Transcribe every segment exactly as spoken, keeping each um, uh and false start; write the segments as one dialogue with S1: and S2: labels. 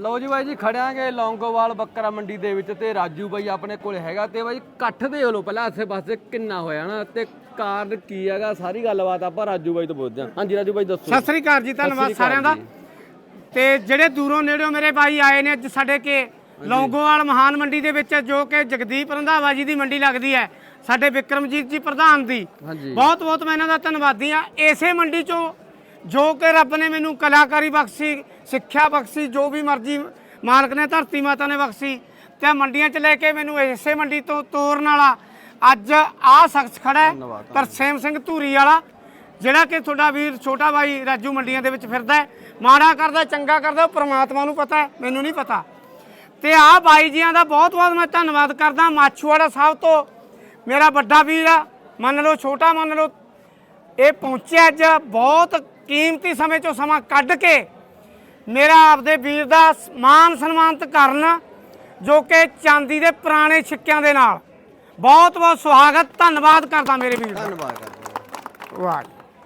S1: ਲਓ ਜੀ ਬਾਈ ਜੀ ਖੜਿਆਂਗੇ ਲੌਂਗੋਵਾਲ ਬੱਕਰਾ ਮੰਡੀ ਦੇ ਵਿੱਚ ਤੇ ਰਾਜੂ ਬਾਈ ਆਪਣੇ ਕੋਲ ਹੈਗਾ ਤੇ ਬਾਈ ਇਕੱਠ ਦੇ ਲੋ ਪਹਿਲਾਂ ਆਸੇ ਪਾਸੇ ਕਿੰਨਾ ਹੋਇਆ ਨਾ ਤੇ ਕਾਰਨ ਕੀ ਹੈਗਾ ਸਾਰੀ ਗੱਲਬਾਤ ਆਪਾਂ ਰਾਜੂ ਬਾਈ ਤੋਂ ਪੁੱਛਦੇ ਹਾਂ। ਹਾਂਜੀ ਰਾਜੂ ਬਾਈ ਦੱਸੋ।
S2: ਸਤਿ ਸ੍ਰੀ ਅਕਾਲ ਜੀ, ਧੰਨਵਾਦ ਸਾਰਿਆਂ ਦਾ। ਤੇ ਜਿਹੜੇ ਦੂਰੋਂ ਨੇੜਿਓਂ ਮੇਰੇ ਬਾਈ ਆਏ ਨੇ ਅੱਜ ਸਾਡੇ ਕੇ ਲੌਂਗੋਵਾਲ ਮਹਾਨ ਮੰਡੀ ਦੇ ਵਿੱਚ, ਜੋ ਕਿ ਜਗਦੀਪ ਰੰਧਾਵਾ ਜੀ ਦੀ ਮੰਡੀ ਲੱਗਦੀ ਹੈ, ਸਾਡੇ ਵਿਕਰਮਜੀਤ ਜੀ ਪ੍ਰਧਾਨ ਦੀ। ਬਹੁਤ ਬਹੁਤ ਮੈਂ ਇਹਨਾਂ ਦਾ ਧੰਨਵਾਦੀ ਹਾਂ। ਇਸੇ ਮੰਡੀ ਚੋਂ ਜੋ ਕਿ ਰੱਬ ਨੇ ਮੈਨੂੰ ਕਲਾਕਾਰੀ ਬਖਸ਼ੀ, ਸਿੱਖਿਆ ਬਖਸ਼ੀ, ਜੋ ਵੀ ਮਰਜ਼ੀ ਮਾਲਕ ਨੇ ਧਰਤੀ ਮਾਤਾ ਨੇ ਬਖਸ਼ੀ, ਤੇ ਮੰਡੀਆਂ 'ਚ ਲੈ ਕੇ ਮੈਨੂੰ ਇਸੇ ਮੰਡੀ ਤੋਂ ਤੋਰਨ ਵਾਲਾ ਅੱਜ ਆਹ ਸ਼ਖਸ ਖੜਾ ਹੈ, ਤਰਸੇਮ ਸਿੰਘ ਧੂਰੀ ਵਾਲਾ, ਜਿਹੜਾ ਕਿ ਤੁਹਾਡਾ ਵੀਰ ਛੋਟਾ ਬਾਈ ਰਾਜੂ ਮੰਡੀਆਂ ਦੇ ਵਿੱਚ ਫਿਰਦਾ ਹੈ। ਮਾੜਾ ਕਰਦਾ ਚੰਗਾ ਕਰਦਾ ਪ੍ਰਮਾਤਮਾ ਨੂੰ ਪਤਾ ਹੈ, ਮੈਨੂੰ ਨਹੀਂ ਪਤਾ। ਤੇ ਆਹ ਬਾਈ ਜੀਆਂ ਦਾ ਬਹੁਤ ਬਹੁਤ ਮੈਂ ਧੰਨਵਾਦ ਕਰਦਾ। ਮਾਛੂਵਾੜਾ ਸਾਹਿਬ ਤੋਂ ਮੇਰਾ ਵੱਡਾ ਵੀਰ ਆ, ਮੰਨ ਲਓ ਛੋਟਾ ਮੰਨ ਲਓ, ਇਹ ਪਹੁੰਚਿਆ ਅੱਜ ਬਹੁਤ ਕੀਮਤੀ ਸਮੇਂ ਚੋਂ ਸਮਾਂ ਕੱਢ ਕੇ ਮੇਰਾ ਆਪਦੇ ਵੀਰ ਦਾ ਮਾਨ ਸਨਮਾਨਿਤ ਕਰਨ, ਜੋ ਕਿ ਚਾਂਦੀ ਦੇ ਪੁਰਾਣੇ ਸਿੱਕਿਆਂ ਦੇ ਨਾਲ। ਬਹੁਤ ਬਹੁਤ ਸੁਹਾਗਤ, ਧੰਨਵਾਦ ਕਰਦਾ ਮੇਰੇ ਵੀਰ ਦਾ।
S1: ਧੰਨਵਾਦ ਕਰਦਾ।
S2: ਵਾਹ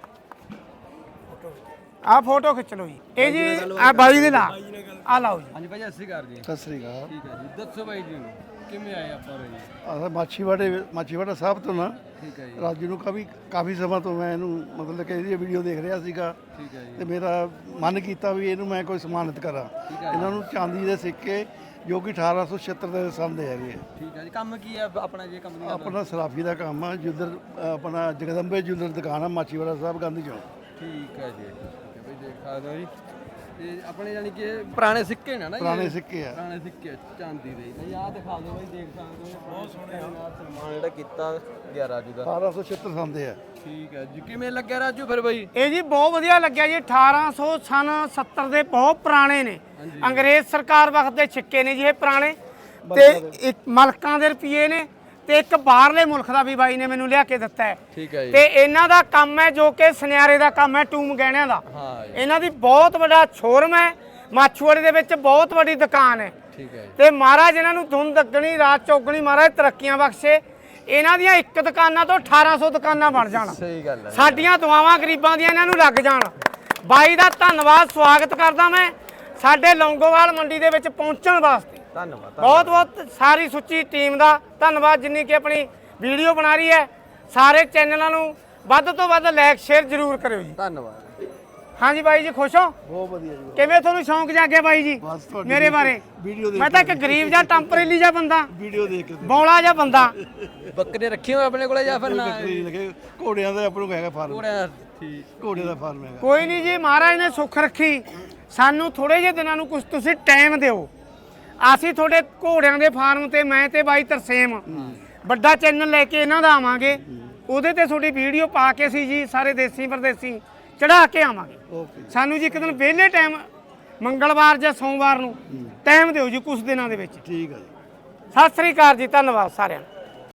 S2: ਆ ਫੋਟੋ ਖਿੱਚ ਲਓ ਜੀ। ਇਹ ਜੀ ਆ ਬਾਈ ਦੇ ਨਾਲ ਆ ਲਾਓ ਜੀ।
S1: ਹਾਂਜੀ ਭਾਈ ਸਤਿ ਸ੍ਰੀ ਅਕਾਲ ਜੀ।
S3: ਸਤਿ ਸ੍ਰੀ ਅਕਾਲ।
S1: ਠੀਕ ਹੈ ਜੀ, ਦੱਸੋ ਬਾਈ ਜੀ ਨੂੰ ਕਿਵੇਂ ਆਏ ਆਪਾਂ ਜੀ?
S3: ਅਸਾਂ ਮਾਛੀਵਾੜੇ ਮਾਛੀਵਾੜਾ ਸਾਹਿਬ ਤੋਂ ਨਾ
S1: ਠੀਕ ਹੈ ਜੀ।
S3: ਰਾਜੂ ਨੂੰ ਕਾਫੀ ਕਾਫੀ ਸਮਾਂ ਤੋਂ ਮੈਂ ਇਹਨੂੰ ਮਤਲਬ ਕਿ ਇਹਦੀ ਵੀਡੀਓ ਦੇਖ ਰਿਹਾ ਸੀਗਾ
S1: ਠੀਕ ਹੈ ਜੀ।
S3: ਤੇ ਮੇਰਾ ਮਨ ਕੀਤਾ ਵੀ ਇਹਨੂੰ ਮੈਂ ਕੋਈ ਸਨਮਾਨਿਤ ਕਰਾਂ। ਇਹਨਾਂ ਨੂੰ ਚਾਂਦੀ ਦੇ ਸਿੱਕੇ ਜੋ ਕਿ ਅਠਾਰਾਂ ਸੌ ਛਿਹੱਤਰ ਦੇ ਸਾਲ ਦੇ ਹੈਗੇ।
S1: ਠੀਕ ਹੈ ਜੀ। ਕੰਮ ਕੀ ਹੈ ਆਪਣਾ ਜੀ? ਕੰਪਨੀ ਦਾ
S3: ਆਪਣਾ ਸਰਾਫੀ ਦਾ ਕੰਮ ਆ, ਜੁੱਲਰ ਆਪਣਾ ਜਗਦੰਬੇ ਜੁੱਲਰ ਦੁਕਾਨ ਆ ਮਾਛੀਵਾੜਾ ਸਾਹਿਬ ਗਾਂਧੀ ਚੌਂਕ।
S1: ਠੀਕ ਹੈ ਜੀ। ਠੀਕ ਹੈ ਬਈ, ਦੇਖ ਸਕਦੇ ਹੋ ਜੀ। ਤੇ ਆਪਣੇ ਜਾਨੀ ਕਿ ਪੁਰਾਣੇ ਸਿੱਕੇ ਨੇ ਨਾ ਜੀ?
S3: ਪੁਰਾਣੇ ਸਿੱਕੇ ਆ।
S1: ਪੁਰਾਣੇ ਸਿੱਕੇ ਚਾਂਦੀ ਦੇ। ਬਈ ਆਹ ਦਿਖਾ ਦਿਓ ਬਾਈ, ਦੇਖ ਸਕਦੇ ਹੋ ਬਹੁਤ ਸੋਹਣੇ ਨਾਲ ਸਨਮਾਨ ਜਿਹੜਾ ਕੀਤਾ ਗਿਆ ਰਾਜੂ ਦਾ।
S3: ਅਠਾਰਾਂ ਸੌ ਛਿਹੱਤਰ ਸਾਲ ਦੇ ਆ।
S1: ਠੀਕ ਹੈ ਜੀ। ਕਿਵੇਂ ਲੱਗਿਆ ਰਾਜੂ ਫਿਰ ਬਾਈ?
S2: ਇਹ ਜੀ ਬਹੁਤ ਵਧੀਆ ਲੱਗਿਆ ਜੀ। ਅਠਾਰਾਂ ਸੌ ਸਨ ਸੱਤਰ ਦੇ ਬਹੁਤ ਪੁਰਾਣੇ ਨੇ, ਅੰਗਰੇਜ਼ ਸਰਕਾਰ ਵਕਤ ਦੇ ਸਿੱਕੇ ਨੇ ਜੀ ਇਹ ਪੁਰਾਣੇ। ਤੇ ਇੱਕ ਮਲਕਾਂ ਦੇ ਰੁਪਏ ਨੇ ਤੇ ਇੱਕ ਬਾਹਰਲੇ ਮੁਲਕ ਦਾ ਵੀ ਬਾਈ ਨੇ ਮੈਨੂੰ ਲਿਆ ਕੇ ਦਿੱਤਾ ਹੈ।
S1: ਠੀਕ ਹੈ ਜੀ।
S2: ਤੇ ਇਹਨਾਂ ਦਾ ਕੰਮ ਹੈ ਜੋ ਕਿ ਸੁਨਿਆਰੇ ਦਾ ਕੰਮ ਹੈ, ਟੂਮ ਗਹਿਣਿਆਂ ਦਾ।
S1: ਹਾਂ ਜੀ।
S2: ਇਹਨਾਂ ਦੀ ਬਹੁਤ ਵੱਡਾ ਸ਼ੋਰੂਮ ਹੈ, ਮਾਛੂਵਾੜੇ ਦੇ ਵਿੱਚ ਬਹੁਤ ਵੱਡੀ ਦੁਕਾਨ ਹੈ।
S1: ਠੀਕ ਹੈ ਜੀ।
S2: ਤੇ ਮਹਾਰਾਜ ਇਹਨਾਂ ਨੂੰ ਧੁੰਨ ਦੱਗਣੀ ਰਾਤ ਚੌਗਣੀ ਮਹਾਰਾਜ ਤਰੱਕੀਆਂ ਬਖਸ਼ੇ। ਇਹਨਾਂ ਦੀਆਂ ਇੱਕ ਦੁਕਾਨਾਂ ਤੋਂ ਅਠਾਰਾਂ ਸੌ ਦੁਕਾਨਾਂ ਬਣ ਜਾਣ।
S1: ਸਹੀ ਗੱਲ ਹੈ।
S2: ਸਾਡੀਆਂ ਦੁਆਵਾਂ ਗਰੀਬਾਂ ਦੀਆਂ ਇਹਨਾਂ ਨੂੰ ਲੱਗ ਜਾਣ। ਬਾਈ ਦਾ ਧੰਨਵਾਦ, ਸਵਾਗਤ ਕਰਦਾ ਮੈਂ ਸਾਡੇ ਲੌਂਗੋਵਾਲ ਮੰਡੀ ਦੇ ਵਿੱਚ ਪਹੁੰਚਣ ਵਾਸਤੇ।
S1: ਧੰਨਵਾਦ।
S2: ਬਹੁਤ ਬਹੁਤ ਸਾਰੀ ਸੁੱਚੀ ਟੀਮ ਦਾ ਧੰਨਵਾਦ, ਜਿੰਨੀ ਕਿ ਆਪਣੀ ਵੀਡੀਓ ਬਣਾ ਰਹੀ ਹੈ। ਸਾਰੇ ਚੈਨਲਾਂ ਨੂੰ ਵੱਧ ਤੋਂ ਵੱਧ ਲਾਈਕ ਸ਼ੇਅਰ ਜ਼ਰੂਰ ਕਰਿਓ ਜੀ।
S1: ਧੰਨਵਾਦ।
S2: ਹਾਂਜੀ ਬਾਈ ਜੀ, ਖੁਸ਼ ਹੋ?
S3: ਬਹੁਤ ਵਧੀਆ ਜੀ।
S2: ਕਿਵੇਂ ਤੁਹਾਨੂੰ ਸ਼ੌਂਕ ਜਾਗਿਆ ਬਾਈ ਜੀ
S3: ਬਸ ਤੁਹਾਡੀ
S2: ਮੇਰੇ ਬਾਰੇ?
S3: ਵੀਡੀਓ ਦੇਖ
S2: ਮੈਂ ਤਾਂ ਇੱਕ ਗਰੀਬ ਜਾਂ ਟੈਂਪਰੇਰੀ ਜਿਹਾ ਬੰਦਾ,
S3: ਵੀਡੀਓ ਦੇਖ ਕੇ
S2: ਬੌਲਾ ਜਿਹਾ ਬੰਦਾ।
S1: ਬੱਕਰੇ ਰੱਖੇ ਹੋਏ ਆਪਣੇ ਕੋਲੇ ਜਾਂ ਫਿਰ ਨਾ?
S3: ਬੱਕਰੀ ਲਗੇ ਘੋੜਿਆਂ ਦਾ ਆਪਣੇ ਕੋਲ ਹੈਗਾ ਫਾਰਮ।
S1: ਘੋੜਿਆਂ ਦਾ। ਠੀਕ।
S3: ਘੋੜੇ ਦਾ ਫਾਰਮ ਹੈਗਾ।
S2: ਕੋਈ ਨਹੀਂ ਜੀ, ਮਹਾਰਾਜ ਨੇ ਸੁੱਖ ਰੱਖੀ। ਸਾਨੂੰ ਥੋੜੇ ਜਿਹੇ ਦਿਨਾਂ ਨੂੰ ਕੁਝ ਤੁਸੀਂ ਟਾਈਮ ਦਿਓ, ਅਸੀਂ ਤੁਹਾਡੇ ਘੋੜਿਆਂ ਦੇ ਫਾਰਮ ਤੇ ਮੈਂ ਤੇ ਬਾਈ ਤਰਸੇਮ ਵੱਡਾ ਚੈਨਲ ਲੈ ਕੇ ਇਹਨਾਂ ਦਾ ਆਵਾਂਗੇ। ਉਹਦੇ ਤੇ ਤੁਹਾਡੀ ਵੀਡੀਓ ਪਾ ਕੇ ਸੀ ਜੀ ਸਾਰੇ ਦੇਸੀ ਪਰਦੇਸੀ ਚੜਾ ਕੇ ਆਵਾਂਗੇ।
S3: ਓਕੇ।
S2: ਸਾਨੂੰ ਜੀ ਇੱਕ ਦਿਨ ਵਿਹਲੇ ਟਾਈਮ ਮੰਗਲਵਾਰ ਜਾਂ ਸੋਮਵਾਰ ਨੂੰ ਟਾਈਮ ਦਿਓ ਜੀ ਕੁਝ ਦਿਨਾਂ ਦੇ ਵਿੱਚ।
S3: ਠੀਕ ਹੈ ਜੀ।
S2: ਸਤਿ ਸ੍ਰੀ ਅਕਾਲ ਜੀ, ਧੰਨਵਾਦ ਸਾਰਿਆਂ ਨੂੰ।